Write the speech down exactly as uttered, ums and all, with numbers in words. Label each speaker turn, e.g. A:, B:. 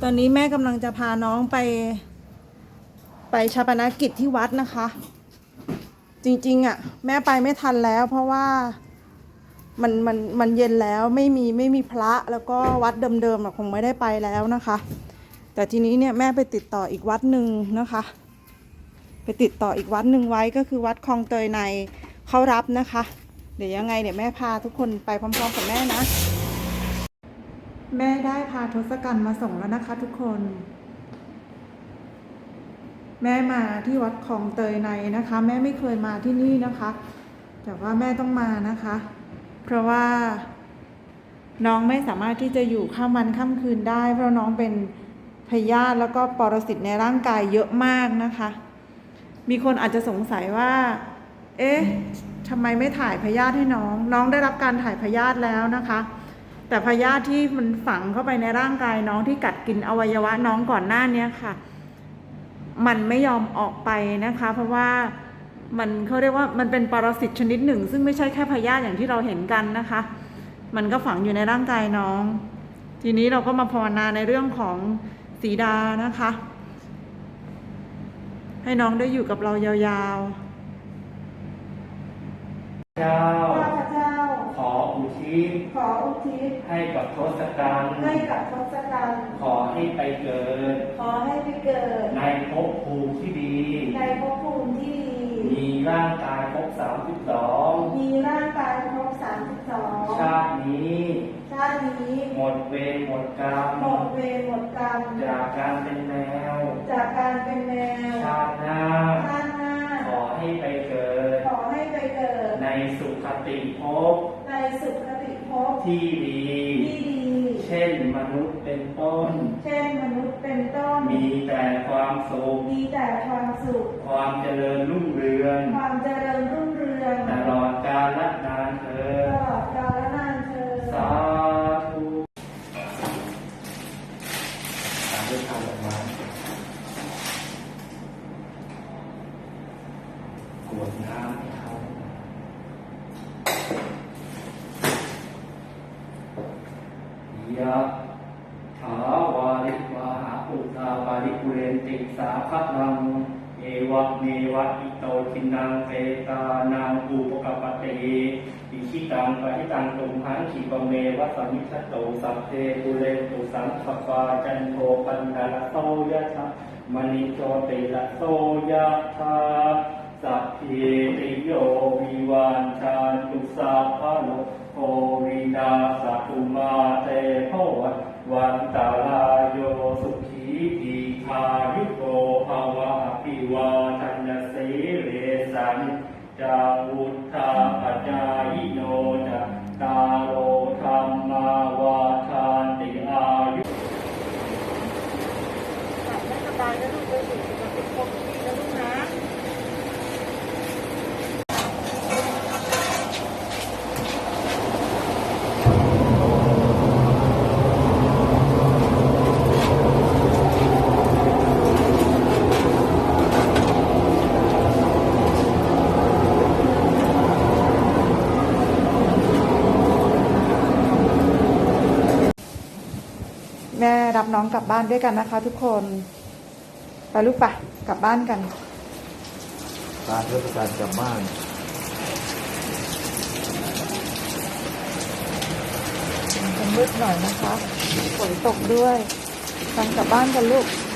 A: อนนี้แม่กำลังจะพาน้องไป ไปฌาปนกิจที่วัดนะคะ จริงๆอ่ะแม่ไปไม่ทันแล้วเพราะว่ามันมันมันเย็นแล้วไม่มีไม่มีพระแล้วก็วัดเดิมๆคงไม่ได้ไปแล้วนะคะ แต่ทีนี้เนี่ยแม่ไปติดต่ออีกวัดหนึ่งนะคะ ไปติดต่ออีกวัดหนึ่งไว้ก็คือวัดคลองเตยในเขารับนะคะ เดี๋ยวยังไงเดี๋ยวแม่พาทุกคนไปพร้อมๆกับแม่นะแม่ได้พาทศกัณฐ์มาส่งแล้วนะคะทุกคนแม่มาที่วัดคลองเตยในนะคะแม่ไม่เคยมาที่นี่นะคะแต่ว่าแม่ต้องมานะคะเพราะว่าน้องไม่สามารถที่จะอยู่ข้ามวันข้ามคืนได้เพราะน้องเป็นพยาธิแล้วก็ปรสิตในร่างกายเยอะมากนะคะมีคนอาจจะสงสัยว่าเอ๊ะทำไมไม่ถ่ายพยาธิให้น้องน้องได้รับการถ่ายพยาธิแล้วนะคะแต่พยาธิที่มันฝังเข้าไปในร่างกายน้องที่กัดกินอวัยวะน้องก่อนหน้านี้ค่ะมันไม่ยอมออกไปนะคะเพราะว่ามันเขาเรียกว่ามันเป็นปรสิตชนิดหนึ่งซึ่งไม่ใช่แค่พยาธิอย่างที่เราเห็นกันนะคะมันก็ฝังอยู่ในร่างกายน้องทีนี้เราก็มาภาวนาในเรื่องของสีดานะคะให้น้องได้อยู่กับเรายาวๆ
B: เจ้า
A: ข้าพเจ้า
B: ขออุทิศ
A: ขออุทิศ
B: ให้กับทศกัณฐ์
A: ให้กับทศกัณฐ์
B: ขอให้ไปเกิด
A: ขอให้ไปเกิด
B: ในภพภูมิที่ดี
A: ในภพภูมิที่ดี
B: มีร่างกายครบสามสิบสอง
A: มีร่างกายครบสามสิบสอง
B: ชาตินี้
A: ชาตินี้
B: หมดเวรหมดกรรม
A: หมดเวรหมดกรรม
B: จากการเป็นแมว
A: จากการเป็นแมว
B: ชาติหน้า
A: ชาติหน้า
B: ขอให้ไปเกิด
A: ขอให้ไปเกิด
B: ในสุขติภพ
A: ในสุขติภพ
B: ที่ดี
A: ที่ดี
B: เช่นมนุษย์เป็นต้น
A: เช่นมนุษย์เป็นต้น
B: มีแต่ความสุข
A: มีแต่ความสุข
B: ความเจริญรุ่งเรือง
A: ความเจริญรุ่งเรือง
B: ตลอดกาลนานเถิด
A: ตลอดกาลนานเถิด
B: สาธุตามด้วยคำดอกไม้กรวดน้ำให้เขายะถาวาริวาหาปุตตาปาริปุเรนติสาภลังเอวะเมวะอิโตทินังเปตานังอุปกปปติอิชิตังปะทิตังตุมหังขีปเมวะสมิชโตสัพเพปุเรนตุสังขปาจันโทปันดาลโสยะถามณิโชติละโสยะถาสัพเพติโยวิวันชันตุสัพพะโลโควินาสตุมาเตภวัตวันตาลายโยสุขีทีคายุโกภาวะอภิวาทัญสีเรสันจาวุธาปัจจายโนจะตาโลธรรมาวาทานติอายุ
A: ไม่สบายนะลูกไปสู่สุขติภพที่ดีนะลูกนะแม่รับน้องกลับบ้านด้วยกันนะคะทุกคนไปลูกปะกลับบ้านกัน
C: การเทศกาลกลับบ้าน
A: มันมืดหน่อยนะคะฝนตกด้วยกันกลับบ้านกันลูก